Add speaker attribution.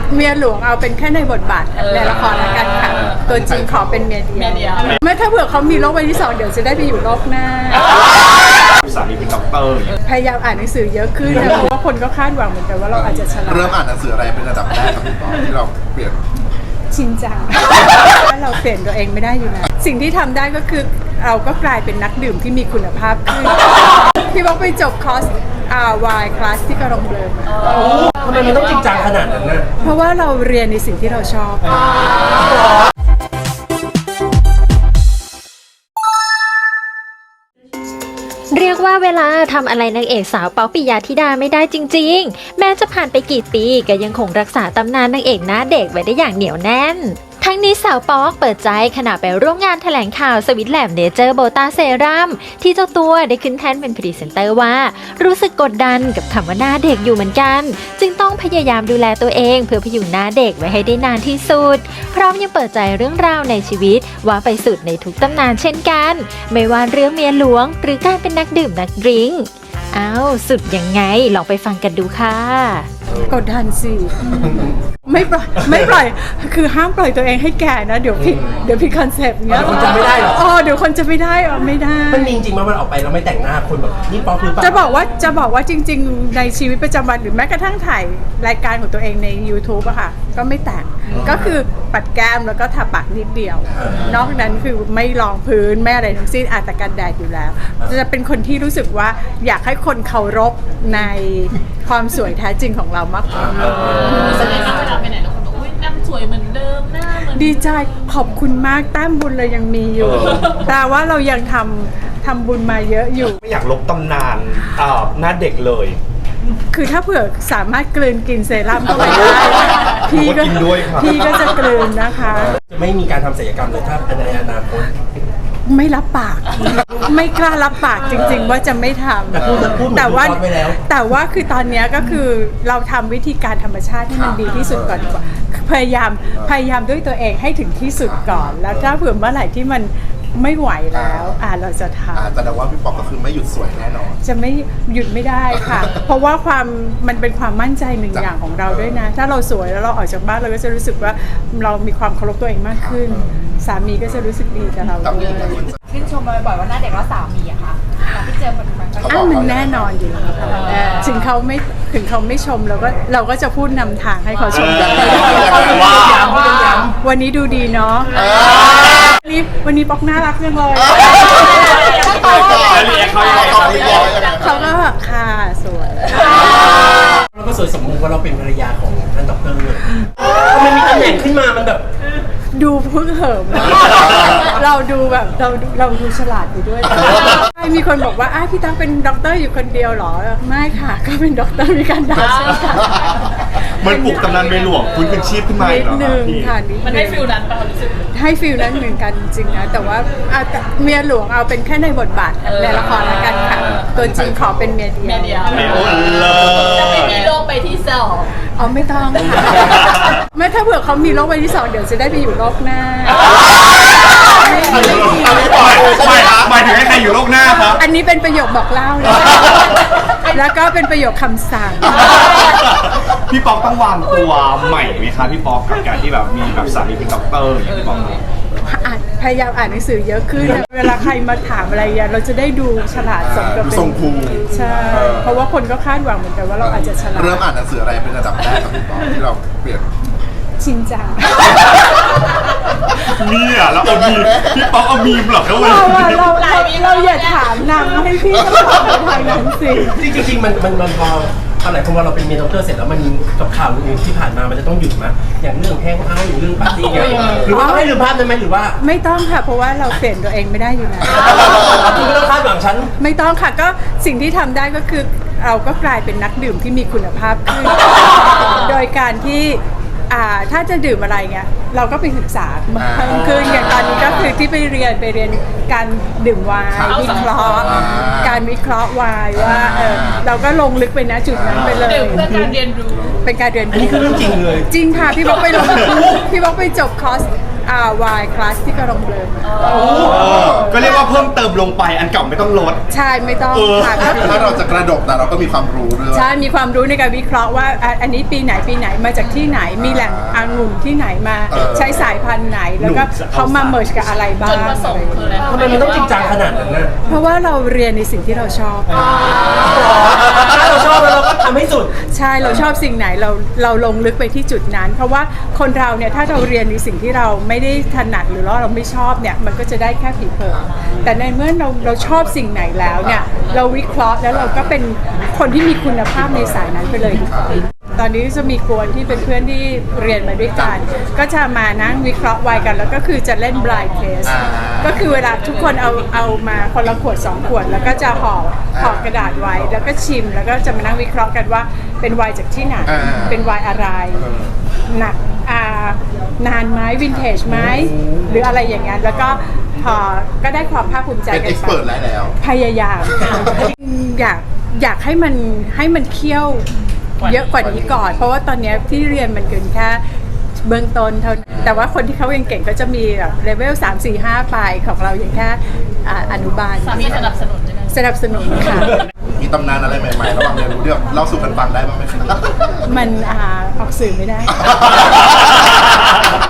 Speaker 1: เมียหลวงเอาเป็นแค่ในบทบาทในละครแล้วกันค่ะตัวจริงขอเป็นเมียเดียวไม่ถ้าเผื่อเขามีโรคใบที่2เดี๋ยวจะได้ไปอยู่โลกหน้า
Speaker 2: สามีเป็นด็อกเตอร์
Speaker 1: พยายามอ่านหนังสือเยอะขึ้นนะเพราะว่าคนก็คาดหวังเหมือนกันว่าเราอาจจะฉลาด
Speaker 3: เริ่มอ่านหนังสืออะไรเป็นระดับแรกครับพี่ปอที่เราเปลี่ยน
Speaker 1: ชินจังเราเปลี่ยนตัวเองไม่ได้อยู่แล้วสิ่งที่ทำได้ก็คือเราก็กลายเป็นนักดื่มที่มีคุณภาพขึ้นพี่บอกไปจบคอร์สวายคลาสที่กระรองเบลมา
Speaker 4: ทำไมมันต้องจริงจังขนาดนั้นนะ
Speaker 1: เพราะว่าเราเรียนในสิ่งที่เราชอบ
Speaker 5: เรียกว่าเวลาทำอะไรนางเอกสาวป๊อกปิยะธิดาไม่ได้จริงๆแม้จะผ่านไปกี่ปีก็ยังคงรักษาตำนานนางเอกหน้าเด็กไว้ได้อย่างเหนียวแน่นทั้งนี้สาวป๊อกเปิดใจขณะไปร่วมงานแถลงข่าวสวิตแลมเนเจอร์โบตาเซรั่มที่เจ้าตัวได้ขึ้นแท่นเป็นพรีเซนเตอร์ว่ารู้สึกกดดันกับคำว่าหน้าเด็กอยู่เหมือนกันจึงต้องพยายามดูแลตัวเองเพื่อพยุงหน้าเด็กไว้ให้ได้นานที่สุดพร้อมยังเปิดใจเรื่องราวในชีวิตว่าไปสุดในทุกตำนานเช่นกันไม่ว่าเรื่องเมียหลวงหรือการเป็นนักดื่มนักดริงก์สุดยังไงลองไปฟังกันดูค่ะ
Speaker 1: กดดันสิไม่ปล่อยคือห้ามปล่อยตัวเองให้แก่นะเดี๋ยวผิดคอนเซปต์เงี้ย
Speaker 4: คนจะไม่ได้หรอ
Speaker 1: เดี๋ยวคนจะไม่ได้ไม่ได้
Speaker 4: มันมีจริงๆมันออกไปแล้วไม่แต่งหน้าคนแบบนี่ป๊อกหรือเปล่า
Speaker 1: จะบอกว่าจริงๆในชีวิตประจำวันหรือแม้กระทั่งถ่ายรายการของตัวเองใน YouTube อะค่ะก็ไม่แต่งก็คือปัดแก้มแล้วก็ทาปากนิดเดียวนอกนั้นคือไม่รองพื้นไม่อะไรทั้งสิ้นอาจจะกันแดดอยู่แล้วจะเป็นคนที่รู้สึกว่าอยากให้คนเคารพในความสวยแท้จริงของเรามากกว่า
Speaker 6: แสดงว่าเวลาไปไหนแล้วคนบอกอุ้ยหน้าสวยเหมือนเดิมหน้าเหมือน
Speaker 1: ดีใจขอบคุณมากแต้มบุญเรายังมีอยู่แต่ว่าเรายังทำบุญมาเยอะอยู่
Speaker 2: ไม่อยากลบตำนานหน้าเด็กเลย
Speaker 1: คือถ้าเผื่อสามารถกลืนกินเซรั่มเข้าไปได้พี่ก็จะกลืนนะคะ
Speaker 4: จะไม่มีการทำศัลยกรรมเลยถ้าในอนาคต
Speaker 1: ไม่รับปากไม่กล้ารับปากจริงๆว่าจะไม่ทำแต่ว่าคือตอนนี้ก็คือเราทำวิธีการธรรมชาติที่มันดีที่สุดก่อนพยายามด้วยตัวเองให้ถึงที่สุดก่อนแล้วถ้าเผื่อเมื่อไหร่ที่มันไม่ไหวแล้วเราจะทำ
Speaker 3: แต่ว่าพี่ปอกก็คือไม่หยุดสวยแน่นอน
Speaker 1: จะไม่หยุดไม่ได้ค่ะ เพราะว่ามันเป็นความมั่นใจหนึ่งอย่างของเราด้วยนะถ้าเราสวยแล้วเราออกจากบ้านเราก็จะรู้สึกว่าเรามีความเคารพตัวเองมากขึ้นสามีก็จะรู้สึกดีกับเราด้วย
Speaker 6: ชื่นชมมาบ่อยว่าหน้าเด็กแล้วสามีอะค่ะที่เจอปัจจุบัน
Speaker 1: มันแน่นอนอยู่แล้วถึงเขาไม่ชมเราก็จะพูดนำทางให้เขาชมวันนี้ดูดีเนาะวันนี้ป๊อกน่ารักจังเลยเขาก็แบบค่ะสวย
Speaker 4: เราก็สวยสมมุติว่าเราเป็นภรรยาของท่านด็อกเตอร์ทำไมมีตำแหน่งขึ้นมามันแบบ
Speaker 1: ดูพึ่งเหิมเราดูแบบเราดูฉลาดอยู่ด้วยมีคนบอกว่าพี่ตั้งเป็นด็อกเตอร์อยู่คนเดียวหรอไม่ค่ะก็เป็นด็อกเตอร์มีการด่าใช่ค่ะ
Speaker 2: มันปลุกตำนานเมียหลวงฟื้นคืนชีพขึ้นมา
Speaker 1: นิดนึงค่ะ
Speaker 6: มันให้ฟิลนั้นป่ะรู้สึก
Speaker 1: ให้ฟิลนั้นเหมือนกันจริงนะแต่ว่าเมียหลวงเอาเป็นแค่ในบทบาทในละครแล้วกันค่ะตัวจริงขอเป็นเมียเดียว
Speaker 6: จะไม่มีโรคใบที่2
Speaker 1: ไม่ต้องค่ะไม่ถ้าเผื่อเขามีโรคใบที่2เดี๋ยวจะได้ไปอยู่โลกหน้า
Speaker 2: หมายถึงให้ใครอยู่โลกหน้าครับ
Speaker 1: อันนี้เป็นประโยคบอกเล่าเลยแล้วก็เป็นประโยคคำสั่ง
Speaker 2: พี่ป๊อกต้องวางตัวใหม่ไหมคะพี่ป๊อกกับการที่แบบมีแบบสามีเป็นด็อกเตอร์อย่างพี่ป๊อก
Speaker 1: พยายามอ่านหนังสือเยอะขึ้นเวลาใครมาถามอะไรเราจะได้ดูฉลาดสมกับเป็น
Speaker 3: ทรงภู
Speaker 1: ใช่เพราะว่าคนก็คาดหวังเหมือนกันว่าเราอาจจะฉลาด
Speaker 3: เริ่มอ่านหนังสืออะไรเป็นระดับแรกครับพี่ป๊อกที่เราเปลี่ยน
Speaker 1: ชินจัง
Speaker 2: เนี่ยแล้วเอามีพี่ป๊อกเอามีมหรอครับวันนี้
Speaker 1: เราอย่าถามนำให้พี่ต้องตอบในทางนั้นสิ
Speaker 4: จริงๆมันพออะไรเพราะว่าเราเป็นเมียด็อกเตอร์เสร็จแล้วมันกับข่าวอื่นที่ผ่านมามันจะต้องหยุดไหมอย่างเรื่องแฮงเอาท์อย่างเรื่องปาร์ตี้หรือว่าไม่ลืมภาพได้ไหมหรือว่า
Speaker 1: ไม่ต้องค่ะเพราะว่าเราเปลี่ยนตัวเองไม่ได้อยู่แล้ว
Speaker 4: คุณไม่ต้องคาดหวังฉัน
Speaker 1: ไม่ต้องค่ะก็สิ่งที่ทำได้ก็คือเราก็กลายเป็นนักดื่มที่มีคุณภาพขึ้นโดยการที่ถ้าจะดื่มอะไรเงี้ยเราก็ไปศึกษาเพิ่มขึ้นอย่างตอนนี้ก็คือที่ไปเรียนการดื่มไวน์วิเคราะห์การวิเคราะห์ไวน์ว่าเราก็ลงลึกไปนะจุดนั้นไปเลย
Speaker 6: เป็นการเรียนรู้
Speaker 1: เป็นการเรียนรู้
Speaker 4: อันนี้คือเรื่องจริงเลย
Speaker 1: จริงค่ะพี่บอกไปจบคอร์สวายคลาสที่กำลังเบลอมา
Speaker 2: ก็เรียกว่าเพิ่มเติมลงไปอันเก่าไม่ต้องลด
Speaker 1: ใช่ไม่ต้องค่ะก็คือ
Speaker 3: ถ้าเราจะกระดกแต่เราก็มีความรู้ด้วย
Speaker 1: ใช่มีความรู้ในการวิเคราะห์ว่าอันนี้ปีไหนมาจากที่ไหนมีแหล่งองุ่นที่ไหนมาใช้สายพันธุ์ไหนแล้วก็เขามาเมิร์จกับอะไรบ้าง
Speaker 6: จุดประสงค์คืออะไร
Speaker 4: ทำไมมันต้องจริงจังขนาดนั้นน่ะ
Speaker 1: เพราะว่าเราเรียนในสิ่งที่เราชอบ
Speaker 4: ถ้าเราชอบแล้วเราก็ทำให้สุด
Speaker 1: ใช่เราชอบสิ่งไหนเราลงลึกไปที่จุดนั้น เพราะว่าคนเราเนี่ยถ้าเราเรียนในสิ่งที่เราไม่ได้ถนัดหรือว่าเราไม่ชอบเนี่ยมันก็จะได้แค่ผิวเผินแต่ในเมื่อเราชอบสิ่งไหนแล้วเนี่ยเราวิเคราะห์แล้วเราก็เป็นคนที่มีคุณภาพในสายนั้นไปเลยดีกว่าตอนนี้จะมีกวนที่เป็นเพื่อนที่เรียนมาด้วยกันก็จะมานั่งวิเคราะห์ไวน์กันแล้วก็คือจะเล่น blind test ก็คือเวลาทุกคนเอามาคนละขวด2ขวดแล้วก็จะห่อกระดาษไว้แล้วก็ชิมแล้วก็จะมานั่งวิเคราะห์กันว่าเป็นไวน์จากที่ไหนเป็นไวน์อะไรหนักนานไหมวินเทจไหมหรืออะไรอย่างนั้นแล้วก็ก็ได้ความภาคภูมิใจ
Speaker 3: เป็น
Speaker 1: กั
Speaker 3: เอ็
Speaker 1: น
Speaker 3: กซ์
Speaker 1: ไป
Speaker 3: เพรสแล้ว
Speaker 1: พยายามอยากให้มันเคี่ยวเยอะกว่านี้ก่อน เพราะว่าตอนนี้ที่เรียนมันเกินแค่เบื้องต้นเท่านั้นแต่ว่าคนที่เขาเก่งๆก็จะมีแบบเลเวล3 4 5ไปของเราอย่างแค่อนุบาล
Speaker 6: สามีสนับสนุนใช่ไหม
Speaker 1: สนับสนุนค่ะ
Speaker 3: มีตำนานอะไรใหม่ๆระหว่างเรียนรู้เรื่องเล่าสู่กันฟังได้บ้างไหมครับ
Speaker 1: มันออกสื่อไม่ได้